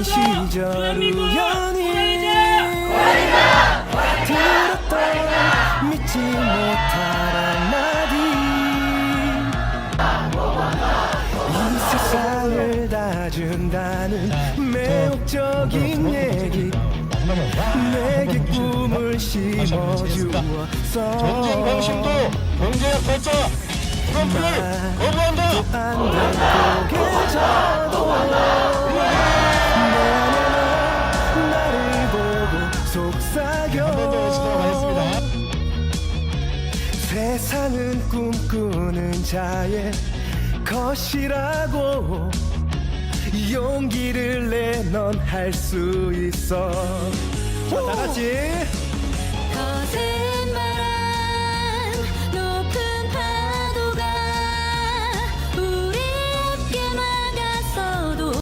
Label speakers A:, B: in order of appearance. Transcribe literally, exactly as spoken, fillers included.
A: 시절 우연히 들었던 믿지 못할 한마디 이 세상을 다 준다는 매혹적인 얘기 내게 꿈을 심어주었어
B: 전쟁 방심도 경제학 발자 트럼프를 거부한다.
A: 안 될 고개져도 내 안에만 나를 보고 속삭여 세상은 꿈꾸는 자의 것이라고 용기를 내 넌 할 수 있어 자, 다 같이
C: 거센